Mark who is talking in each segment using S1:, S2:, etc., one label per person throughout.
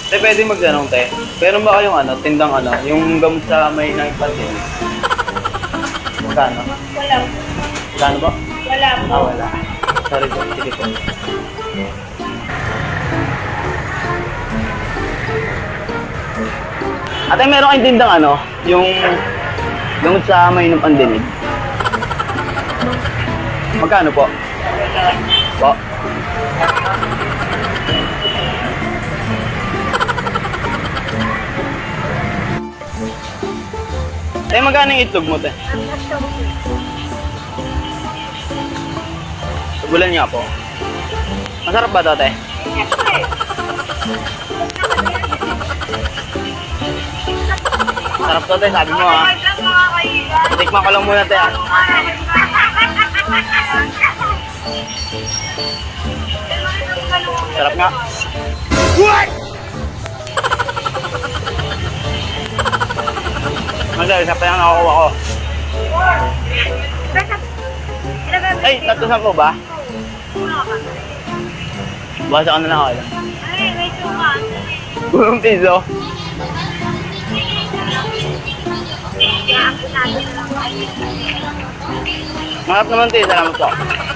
S1: Te, pwede magtanong, te. Meron ba kayong tindang yung gamot sa may naipatin? Magkano?
S2: Wala.
S1: Magkano ba?
S2: Wala po.
S1: Wala. Sorry po, sige po. Ate, meron kayong tindang yung gamot sa may pandinig? Magkano po? Po? Te, magkano yung itlog mo, te? Subulan niya po. Masarap ba to, te? Masarap to, te. Sabi mo, ha? Tikman ko lang muna, te, ha? Sarap nga. What? Masarap, isa pa lang nakakuha ko. Ay, 310 ba? Basa ka na lang ako lang.
S2: Ay, may suka.
S1: Gulong piso. Marap naman, te. Salamat po.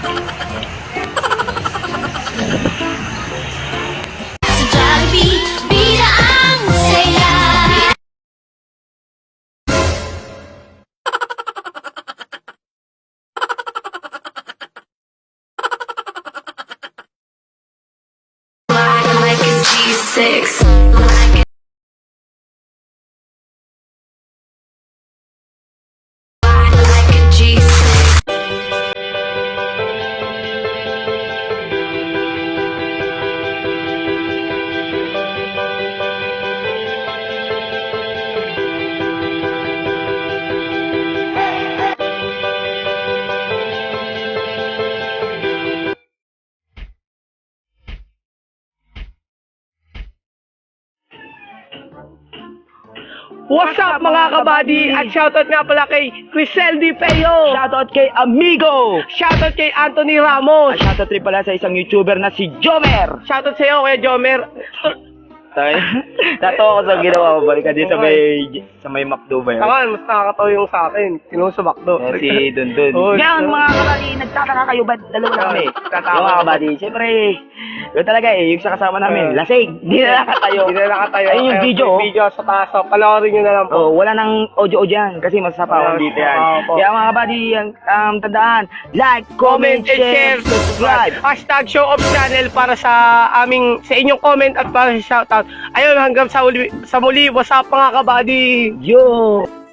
S3: Sa Jollibee, bida ang saya. Like a G6. Like a G6.
S4: What's up mga kabady? At shoutout nga pala kay Crisel Di Peyo.
S1: Shoutout kay Amigo!
S4: Shoutout kay Anthony Ramos.
S1: At shoutout rin pala sa isang YouTuber na si Jomer!
S4: Shoutout sa'yo kuya Jomer.
S1: Tayo, tatawa ko sa ginawa mo. Balik ka dito sa may McDo ba yun?
S4: Ako, mas nakakatawa yung sa akin. Kinuha sa bakdo.
S1: Si Dundun.
S4: Oh,
S1: Ngayon mga kabady, nagtataka kayo ba't dalawa na kami?
S4: Nagtataka.
S1: Yung mga kabady, siyempre, yun talaga yung sa kasama namin, lasing. Di na nakatayo.
S4: Hindi na nakatayo.
S1: Ayun yung
S4: Ayun,
S1: video,
S4: yung video sa taas. So, panoorin nyo na lang po.
S1: Oh, wala nang audio yan kasi masasapa dito yan.
S4: Opo.
S1: Kaya mga kabady, tandaan, like, comment, share, subscribe.
S4: Hashtag show of channel para sa inyong comment at para sa shoutout. Ayun, hanggang sa muli, what's up mga kabady?
S1: Yo!